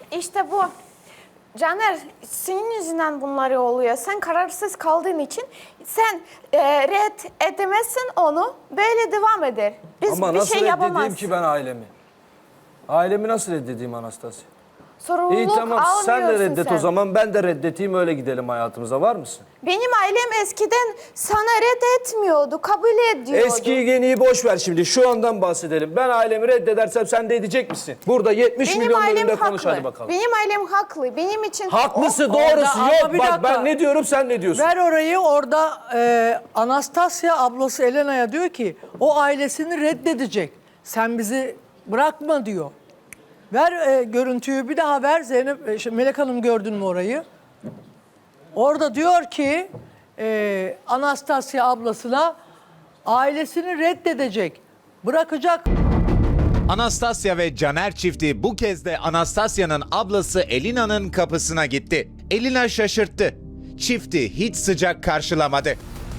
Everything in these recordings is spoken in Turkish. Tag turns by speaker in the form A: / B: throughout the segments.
A: İşte bu. Caner, senin yüzünden bunları oluyor. Sen kararsız kaldığın için sen red edemezsin onu. Böyle devam eder. Biz
B: Ama
A: bir
B: nasıl
A: şey
B: reddedeyim
A: yapamaz.
B: ki ben ailemi? Ailemi nasıl reddedeyim Anastasya?
A: Sorumluluk
B: İyi tamam sen de
A: almıyorsun
B: reddet
A: sen.
B: o zaman ben de reddeteyim öyle gidelim hayatımıza var mısın?
A: Benim ailem eskiden sana red etmiyordu, kabul ediyordu.
B: Eskiyi yeniyi boş ver şimdi şu andan bahsedelim. Ben ailemi reddedersem sen de edecek misin? Burada 70
A: Benim
B: milyon
A: ailem
B: önünde
A: haklı.
B: konuş hadi bakalım.
A: Benim ailem haklı. Benim için...
B: Haklısı
C: Orada
B: doğrusu
C: ama
B: yok.
C: bir
B: Bak
C: dakika.
B: ben ne diyorum sen ne diyorsun?
C: Ver orayı orada Anastasya ablası Elena'ya diyor ki o ailesini reddedecek. Sen bizi bırakma diyor. Ver görüntüyü bir daha ver Zeynep. Melek Hanım gördün mü orayı? Orada diyor ki Anastasya ablasına ailesini reddedecek. Bırakacak.
D: Anastasya ve Caner çifti bu kez de Anastasya'nın ablası Elina'nın kapısına gitti. Elina şaşırttı. Çifti hiç sıcak karşılamadı.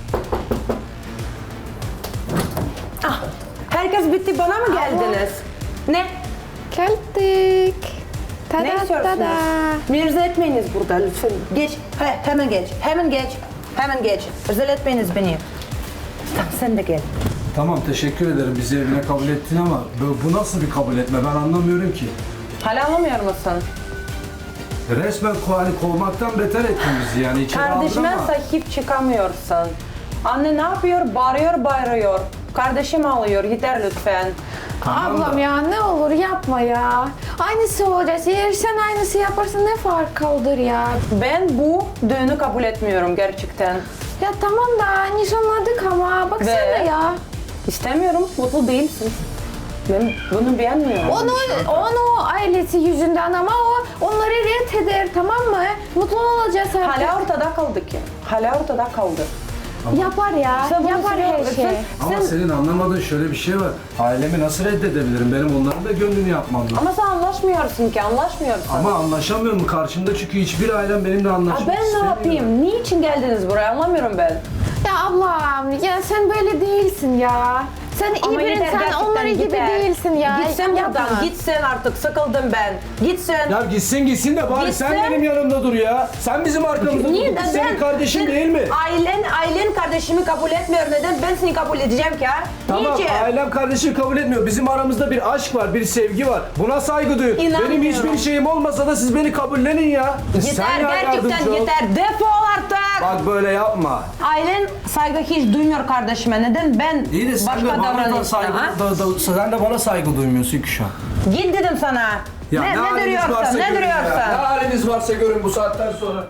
E: Herkes bitti bana mı geldiniz? Ne?
A: Geldik. Tada,
E: Ne istiyorsunuz?
A: tada.
E: Mirza etmeyiniz burada lütfen. Geç. Hemen geç. Hemen geç. Hemen geç. Özel etmeyiniz beni. Tamam sen de gel.
B: Tamam teşekkür ederim bizi evine kabul ettin ama bu nasıl bir kabul etme ben anlamıyorum ki.
E: Hala anlamıyor musun?
B: Resmen kovmaktan beter ettin bizi yani içeri
E: Kardeşime
B: aldın ama.
E: sahip çıkamıyorsun. Anne ne yapıyor? Bağırıyor. Kardeşim ağlıyor. Yeter lütfen.
B: Tamam da-
A: Ablam ya ne olur yapma ya. Aynısı olacak. Eğer sen aynısı yaparsan ne fark kaldır ya.
E: Ben bu düğünü kabul etmiyorum gerçekten.
A: Ya tamam da nişanladık ama baksana
E: Ve-
A: ya.
E: İstemiyorum. Mutlu değilsin. Ben bunu beğenmiyorum.
A: Onu ailesi yüzünden ama o onları red eder tamam mı? Mutlu olacağız artık.
E: Hala ortada kaldık ya. Hala ortada kaldı.
A: Yapar ya.
E: Sen bunu
A: Yapar her
E: seviyorsun.
A: şey.
B: Ama senin anlamadığın şöyle bir şey var. Ailemi nasıl reddedebilirim? Benim onların da gönlünü yapmam lazım.
E: Ama sen anlaşmıyorsun ki, anlaşmıyorsun.
B: Ama anlaşamıyorum karşımda çünkü hiçbir ailem benimle anlaşmak
E: ben ne
B: istemiyor.
E: yapayım? Niçin geldiniz buraya? Anlamıyorum ben.
A: Ya ablam ya sen böyle değilsin ya. Sen iyi
E: Ama
A: bir
E: yeter,
A: insan
E: gerçekten
A: onları gibi
E: yeter.
A: değilsin ya.
E: Gitsen buradan,
A: Yapma.
E: gitsen artık. Sıkıldım ben. Gitsen.
B: Ya gitsin de bari sen
E: Gitsen-
B: benim yanımda dur ya. Sen bizim arkamızda
E: Niye?
B: dur. Biz senin kardeşin değil mi?
E: Ailen kardeşimi kabul etmiyor. Neden ben seni kabul edeceğim ki ha?
B: Tamam
E: Niçin?
B: ailem kardeşim kabul etmiyor. Bizim aramızda bir aşk var, bir sevgi var. Buna saygı duyun.
E: İnanmıyorum.
B: Benim hiçbir şeyim olmasa da siz beni kabullenin ya.
E: Yeter, gerçekten
B: yardımcı ol.
E: yeter. Defol artık.
B: Bak böyle yapma.
E: Ailen saygı hiç duymuyor kardeşime. Neden ben
B: İyi de sen
E: başka
B: de bana da
E: davranışta?
B: saygı,
E: ha?
B: sen de bana saygı duymuyorsun ki şu an.
E: Git dedim sana.
B: Ya
E: ne
B: haliniz
E: duruyorsun?
B: varsa
E: Ne
B: görün ya.
E: duruyorsun?
B: Ne haliniz varsa görün bu saatten sonra.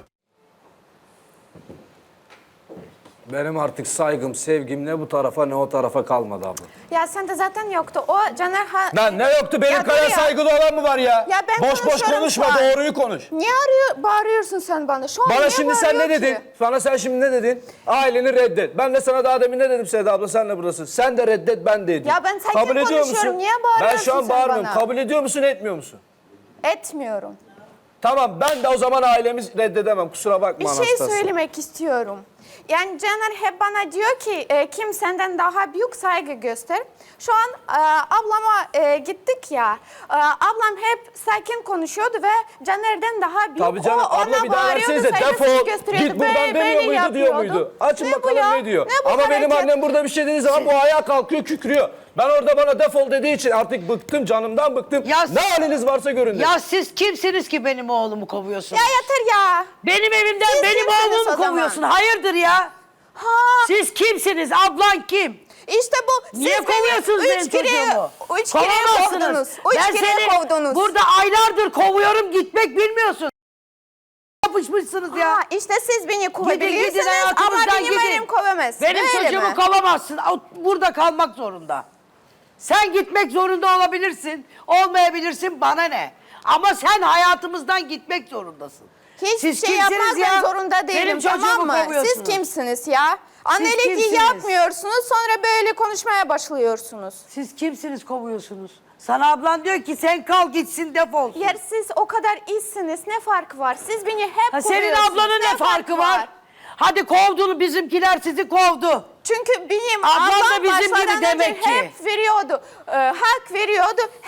B: Benim artık saygım, sevgim ne bu tarafa ne o tarafa kalmadı abla.
A: Ya sende zaten yoktu. O Caner
B: Lan ne yoktu? Benim
A: Ya
B: kadar
A: dur ya.
B: saygılı olan mı var ya?
A: Ya ben
B: boş boş
A: konuşuyorum
B: konuşma,
A: şu an.
B: doğruyu konuş.
A: Niye bağırıyorsun sen bana? Şu an
B: Bana
A: niye
B: şimdi sen ne
A: bağırıyor
B: dedin?
A: ki?
B: Bana sen şimdi ne dedin? Aileni reddet. Ben de sana daha demin ne dedim Seda abla? Sen de buradasın. Sen de reddet, ben de edeyim.
A: Ya ben sakin
B: Kabul ediyor
A: konuşuyorum.
B: musun?
A: Niye
B: Ben
A: bağırıyorsun
B: şu an
A: sen
B: bağırmıyorum.
A: bana?
B: Kabul ediyor musun, etmiyor musun?
A: Etmiyorum.
B: Tamam, ben de o zaman ailemizi reddedemem. Kusura bakma
A: Bir şey
B: Anastasya.
A: söylemek istiyorum. Yani Caner hep bana diyor ki kim senden daha büyük saygı göster. Şu an ablama gittik ya. Ablam hep sakin konuşuyordu ve Caner'den daha büyük.
B: Tabii canım,
A: o
B: abla
A: ona
B: bir daha
A: bağırıyordu,
B: versenize.
A: saygısını
B: Defol,
A: gösteriyordu.
B: git buradan
A: Böyle
B: demiyor muydu, diyor
A: yapıyordu.
B: muydu? Açın
A: Ne bu
B: bakalım
A: ya?
B: ne diyor.
A: Ne bu
B: Ama benim
A: hareket?
B: annem burada bir şey dediği zaman bu ayağa kalkıyor, kükrüyor. Ben orada bana defol dediği için artık bıktım, canımdan bıktım.
F: Ya
B: ne haliniz varsa görün dedim.
F: Ya siz kimsiniz ki benim oğlumu kovuyorsunuz?
A: Ya yeter ya.
F: Benim evimden
A: Siz
F: benim
A: kimsiniz
F: oğlumu
A: o zaman?
F: kovuyorsun. Hayırdır ya?
A: Ha.
F: Siz kimsiniz? Ablan kim?
A: İşte bu.
F: Niye
A: siz
F: kovuyorsunuz
A: beni
F: benim çocuğumu?
A: Üç kere kovdunuz.
F: Ben
A: Üç kere
F: seni
A: kovdunuz.
F: burada aylardır kovuyorum, gitmek bilmiyorsun. Yapışmışsınız ya.
A: Ha, işte siz beni kovabilirsiniz
F: gidin,
A: ama
F: hayatımızdan
A: benim
F: gidin.
A: elim kovamaz.
F: Benim
A: Öyle
F: çocuğumu
A: mi?
F: kovamazsın. O burada kalmak zorunda. Sen gitmek zorunda olabilirsin, olmayabilirsin, bana ne? Ama sen hayatımızdan gitmek zorundasın.
A: Hiçbir
F: Siz
A: şey
F: kimsiniz
A: yapmakla
F: ya?
A: zorunda değilim,
F: Benim
A: tamam
F: çocuğumu
A: mı? Siz
F: kovuyorsunuz.
A: kimsiniz ya? Annelik
F: kimsiniz?
A: yapmıyorsunuz, sonra böyle konuşmaya başlıyorsunuz.
F: Siz kimsiniz kovuyorsunuz? Sana ablan diyor ki sen kal gitsin defol.
A: Yer siz o kadar iyisiniz, ne farkı var? Siz beni hep
F: Ha, senin
A: kovuyorsunuz,
F: ablanın ne farkı var? Hadi kovdun, bizimkiler sizi kovdu.
A: Çünkü benim
F: Ablam da
A: ablam
F: bizim gibi
A: başlardan
F: demek
A: önce
F: ki.
A: hep veriyordu, hak veriyordu, hep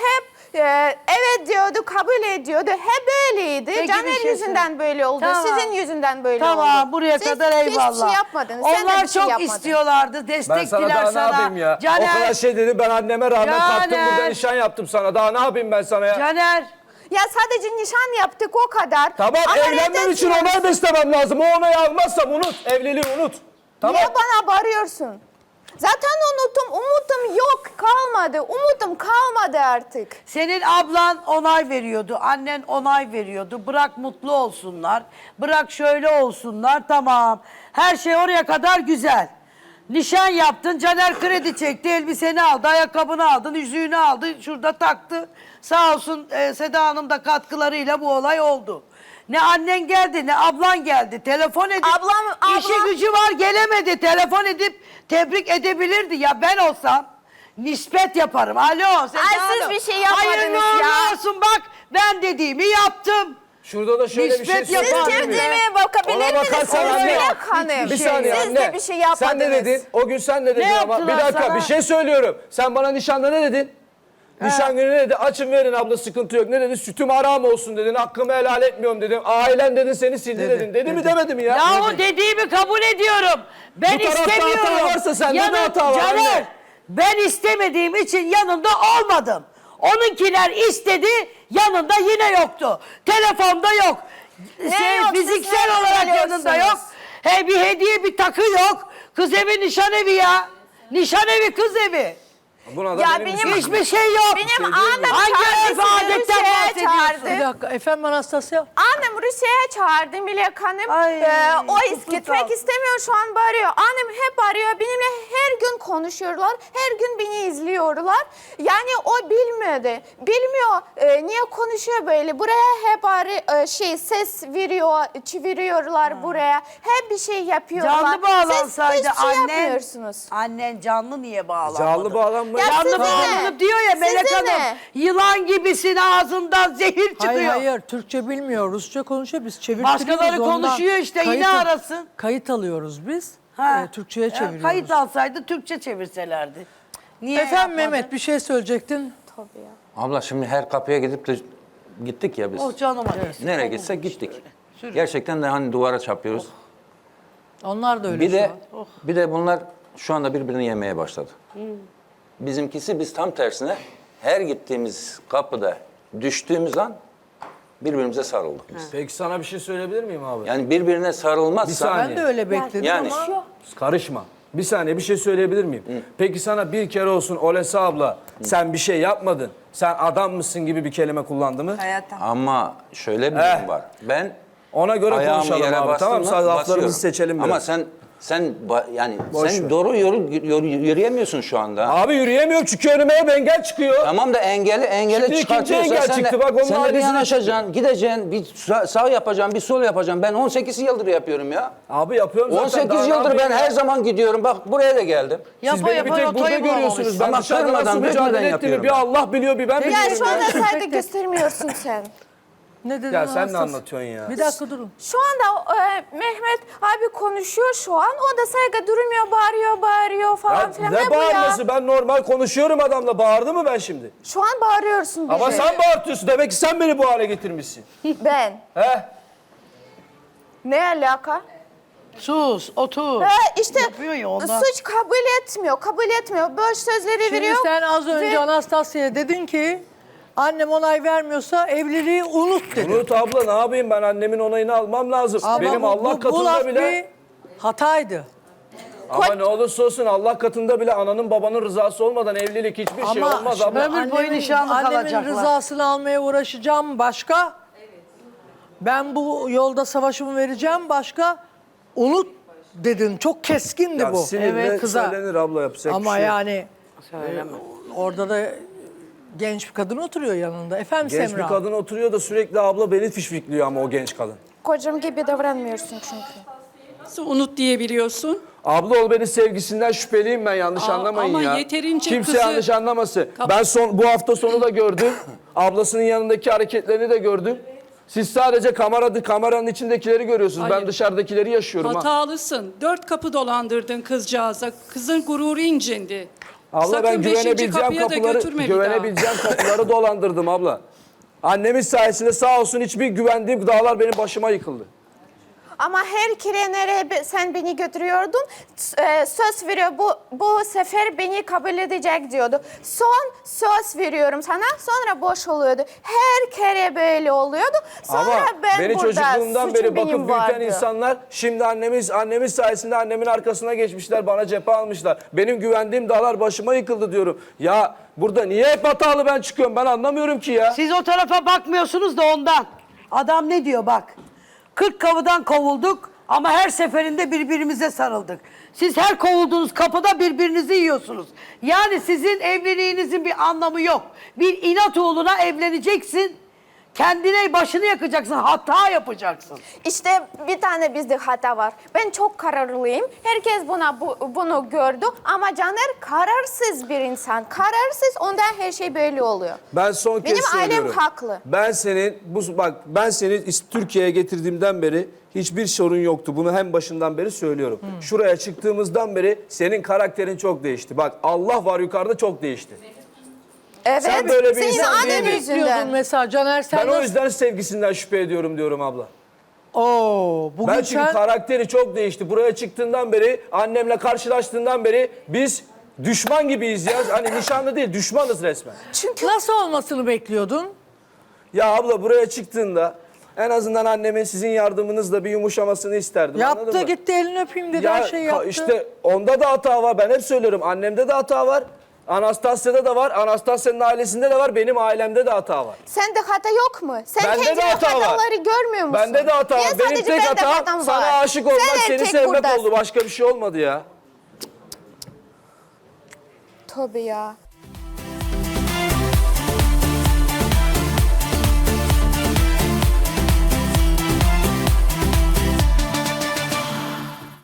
A: evet diyordu, kabul ediyordu. Hep böyleydi.
F: Peki, bir
A: Caner
F: şey
A: yüzünden
F: söyle.
A: böyle oldu.
F: Tamam.
A: Sizin yüzünden böyle oldu.
F: Tamam buraya
A: Siz
F: kadar eyvallah.
A: hiçbir şey yapmadınız. Sen de
F: Onlar
A: bir şey
F: çok
A: yapmadın.
F: istiyorlardı.
B: Ben
F: Destektiler
B: sana daha ne yapayım ya? O kadar şey dedim, ben anneme rağmen kalktım
F: Caner.
B: burada nişan yaptım sana. Daha ne yapayım ben sana ya?
F: Caner.
A: Ya sadece nişan yaptık o kadar.
B: Tamam,
A: Ama
B: evlenmem için
A: reddediyorsun.
B: onay beslemem lazım. O onayı almazsam unut. Evliliği unut. Tamam.
A: Niye bana bağırıyorsun? Zaten unuttum. Umudum yok, kalmadı. Umudum kalmadı artık.
F: Senin ablan onay veriyordu, annen onay veriyordu. Bırak mutlu olsunlar, bırak şöyle olsunlar, tamam. Her şey oraya kadar güzel. Nişan yaptın, Caner kredi çekti, elbiseni aldı, ayakkabını aldın, yüzüğünü aldı, şurada taktı. Sağ olsun Seda Hanım da katkılarıyla bu olay oldu. Ne annen geldi, ne ablan geldi. Telefon edip, işi gücü var gelemedi. Telefon edip tebrik edebilirdi. Ya ben olsam nispet yaparım. Alo Seda
A: siz
F: Hanım.
A: bir şey yapmadınız
F: Hayırlı
A: ya.
F: uğurlu olsun bak ben dediğimi yaptım.
B: Şurada da şöyle bir şey
F: Nispet yapar.
B: söyleyeyim
A: Siz
B: mi?
A: kendime bakabilir
B: Ona
A: misiniz?
B: bakarsan anne.
A: Melek Hanım.
B: Bir saniye
A: Siz
B: anne.
A: de bir şey yapmadınız.
B: Sen ne dedin? O gün sen ne dedin ama?
F: yaptılar
B: Bir dakika
F: sana?
B: bir şey söylüyorum. Sen bana nişanda ne dedin? Nişan günü ne dedi? Açın verin abla, sıkıntı yok. Ne dedi? Sütüm haram olsun dedin. Hakkımı helal etmiyorum dedim. Ailen dedin, seni sildi dedin. Dedi mi demedi mi ya?
F: Yahu dediğimi kabul ediyorum. Ben
B: Bu tarafta
F: istemiyorum.
B: hata varsa sende de hata var
F: Caner,
B: anne.
F: ben istemediğim için yanında olmadım. Onunkiler istedi, yanında yine yoktu. Telefonda yok.
A: yok?
F: Fiziksel
A: Siz nereden
F: olarak yanında yok.
A: biliyorsunuz?
F: Bir hediye, bir takı yok. Kız evi, nişan evi ya. Nişan evi, kız evi.
B: Buna da
A: Ya
B: benim
A: benim-
F: Hiçbir şey yok.
A: Benim annem
F: Hangi
A: çağırdı,
F: örf
A: sizi
F: adetten
A: Rusya'ya
F: bahsediyorsun?
A: çağırdı.
C: Bir dakika efendim Anastasya.
A: Annem Rusya'ya çağırdı Melek Hanım.
F: Ay,
A: O
F: kutusu
A: gitmek
F: sağ.
A: istemiyor, şu an bağırıyor. Annem hep arıyor, benimle her gün konuşuyorlar. Her gün beni izliyorlar. Yani o bilmiyordu. Bilmiyor niye konuşuyor böyle. Buraya hep ses veriyor, çeviriyorlar buraya. Hep bir şey yapıyorlar.
F: Canlı bağlansaydı
A: Siz hiçbir şey
F: annen.
A: yapmıyorsunuz.
F: Annen canlı niye bağlanmadı?
B: Canlı bağlanma.
A: Ya
F: Canlı
A: size
F: bağlanıp
A: ne?
F: diyor ya Melek
A: Size
F: Hanım.
A: ne?
F: Yılan gibisin ağzından zehir çıkıyor.
C: Hayır hayır Türkçe bilmiyor. Rusça konuşuyor. Biz çevirtiriyoruz.
F: Başkaları
C: ondan.
F: konuşuyor işte, yine arasın.
C: Kayıt alıyoruz biz.
F: Ha.
C: Türkçe'ye
F: Ya,
C: çeviriyoruz.
F: Kayıt alsaydı Türkçe çevirselerdi. Niye
C: Efendim
F: yapmadın?
C: Mehmet bir şey söyleyecektin.
G: Abla şimdi her kapıya gittik ya biz.
F: Oh canıma değsin.
G: Nereye gitsek gittik. Gerçekten de hani duvara çarpıyoruz.
C: Onlar da öyle
G: Bir
C: şu
G: de
C: an.
G: bir de bunlar şu anda birbirini yemeye başladı. Bizimkisi biz tam tersine her gittiğimiz kapıda düştüğümüz an birbirimize sarıldık biz.
B: Peki sana bir şey söyleyebilir miyim abi?
G: Yani birbirine
B: Bir
G: sarılmazsa
B: saniye.
C: Ben de öyle bekledim
G: Yani-
C: ama
B: Karışma. Bir saniye bir şey söyleyebilir miyim? Peki sana bir kere olsun Olesa abla sen bir şey yapmadın. Sen adam mısın gibi bir kelime kullandı mı?
G: ama şöyle bir
B: Eh.
G: durum var. Ben
B: Ona göre
G: ayağımı
B: konuşalım
G: yere
B: abi.
G: bastım
B: Tamam
G: mı
B: sadece laflarımızı
G: basıyorum.
B: seçelim biraz.
G: Ama sen
B: Boş
G: sen
B: ver.
G: doğru yürüyemiyorsun şu anda.
B: Abi yürüyemiyorum çünkü önüme hep engel çıkıyor.
G: Tamam da engeli
B: Şimdi ikinci
G: çıkartıyorsa
B: engel
G: sen
B: çıktı.
G: de,
B: Bak onun
G: sen de bir
B: ailesine
G: yanaşacaksın, gideceksin, bir sağ yapacaksın, bir sol yapacaksın. Ben 18 yıldır yapıyorum ya.
B: Abi yapıyorum zaten.
G: 18
B: daha ne
G: yıldır ben
B: yapayım ya?
G: her zaman gidiyorum. Bak buraya da geldim.
B: Siz
F: Yapa
B: beni bir
F: yapa
B: tek burada
F: rotayı
B: görüyorsunuz.
F: bulamamışsın.
B: Ben
G: Ama
B: dışarıda
G: kırmadan,
B: nasıl
G: dökmeden
B: mücadele ettiğimi
G: yapıyorum.
B: bir Allah biliyor bir ben
A: Ya
B: biliyorum.
A: şu anda
B: ya.
A: saygı göstermiyorsun sen.
C: ne dedin
B: Ya sen ne
C: Anastasya?
B: anlatıyorsun ya?
C: Bir dakika durun.
A: Şu anda Mehmet abi konuşuyor şu an. O da saygı durmuyor, bağırıyor falan
B: Ya
A: filan.
B: ne
A: bu ya?
B: bağırması? Ben normal konuşuyorum adamla. Bağırdı mı ben şimdi?
A: Şu an bağırıyorsun bize.
B: Ama sen bağırtıyorsun. Demek ki sen beni bu hale getirmişsin.
A: Ben.
B: He?
A: Ne alaka?
F: Sus, otur.
A: İşte
F: Yapıyor ya ondan.
A: suç kabul etmiyor. Boş sözleri
C: Şimdi
A: veriyor.
C: sen az önce
A: ve-
C: Anastasya'ya dedin ki annem onay vermiyorsa evliliği unut dedin.
B: Unut abla ne yapayım ben annemin onayını almam lazım.
C: Ama
B: Benim Allah
C: bu laf
B: katında bile...
C: bir hataydı.
B: Ama ne olursa olsun Allah katında bile ananın babanın rızası olmadan evlilik hiçbir şey
C: Ama
B: olmaz
C: şimdi
B: abla.
F: Ömür boyu nişanlı
C: annemin
F: kalacaklar.
C: rızasını almaya uğraşacağım başka. Ben bu yolda savaşımı vereceğim başka. Unut dedin. Çok keskindi
B: Ya
C: bu.
B: sinirle
C: kıza.
B: söylenir abla yapacak
C: Ama
B: bir şey yok.
C: yani orada da genç bir kadın oturuyor yanında. Efendim
B: Genç
C: Semra.
B: bir kadın oturuyor da sürekli abla beni fişfikliyor ama o genç kadın.
A: Kocam gibi davranmıyorsun çünkü.
H: Nasıl unut diyebiliyorsun?
B: Abla ol beni sevgisinden şüpheliyim ben yanlış anlamayın
H: ama
B: ya.
H: yeterince
B: Kimse
H: kızı-
B: yanlış anlamasın. Ben bu hafta sonu da gördüm. Ablasının yanındaki hareketlerini de gördüm. Siz sadece kameranın içindekileri görüyorsunuz. Ben
H: Hayır.
B: dışarıdakileri yaşıyorum ha.
H: Hatalısın. 4 kapı dolandırdın kızcağıza. Kızın gururu incindi.
B: Abla
H: Sakın
B: ben
H: beşinci
B: güvenebileceğim
H: kapıya da götürme bir daha.
B: güvenebileceğim kapıları dolandırdım abla. Annemiz sayesinde sağ olsun hiçbir güvendiğim dağlar benim başıma yıkıldı.
A: Ama her kere nereye sen beni götürüyordun, söz veriyor bu sefer beni kabul edecek diyordu. Son söz veriyorum sana, sonra boş oluyordu. Her kere böyle oluyordu. Sonra
B: Ama
A: ben
B: beni
A: burada
B: çocukluğumdan
A: suçum
B: beri
A: benim
B: bakıp büyüten
A: vardı.
B: insanlar şimdi annemiz sayesinde annemin arkasına geçmişler, bana cephe almışlar. Benim güvendiğim dağlar başıma yıkıldı diyorum. Ya burada niye hep hatalı ben çıkıyorum, ben anlamıyorum ki ya.
F: Siz o tarafa bakmıyorsunuz da ondan. Adam ne diyor bak. 40 kapıdan kovulduk ama her seferinde birbirimize sarıldık. Siz her kovulduğunuz kapıda birbirinizi yiyorsunuz. Yani sizin evliliğinizin bir anlamı yok. Bir inat uğruna evleneceksin. Kendine başını yakacaksın, hata yapacaksın.
A: İşte bir tane bizde hata var. Ben çok kararlıyım. Herkes bunu gördü ama Caner kararsız bir insan. Kararsız, ondan her şey böyle oluyor.
B: Ben son kez
A: Benim ailem
B: söylüyorum.
A: haklı.
B: Ben seni Türkiye'ye getirdiğimden beri hiçbir sorun yoktu. Bunu hem başından beri söylüyorum. Şuraya çıktığımızdan beri senin karakterin çok değişti. Bak Allah var yukarıda, çok değişti.
A: Evet,
B: Sen böyle bir
A: senin
B: insan
A: annen
B: değildin.
C: Diyordun
A: yüzünden.
C: mesela Caner sen
B: Ben o
C: nasıl-
B: yüzden sevgisinden şüphe ediyorum diyorum abla.
C: Oo, bugün
B: Ben çünkü
C: sen...
B: karakteri çok değişti. Buraya çıktığından beri, annemle karşılaştığından beri biz düşman gibiyiz ya. Hani nişanlı değil, düşmanız resmen.
A: Çünkü
C: Nasıl olmasını bekliyordun?
B: Ya abla buraya çıktığında en azından annemin sizin yardımınızla bir yumuşamasını isterdim. anladın
C: Yaptı
B: mı?
C: gitti elini öpeyim dedi
B: Ya
C: her şeyi yaptı.
B: işte onda da hata var. Ben hep söylüyorum. Annemde de hata var. Anastasya'da da var. Anastasya'nın ailesinde de var. Benim ailemde de hata var.
A: sende hata yok mu? Sen
B: Bende de
A: kendine
B: hata var.
A: hataları görmüyor musun?
B: Bende de hata
A: Niye
B: var. Benim
A: sadece
B: tek
A: bende
B: hatam
A: hatam
B: sana
A: var?
B: aşık olmak,
A: Sen
B: seni
A: erkek
B: sevmek
A: buradasın.
B: oldu. Başka bir şey olmadı ya.
A: Tabii ya.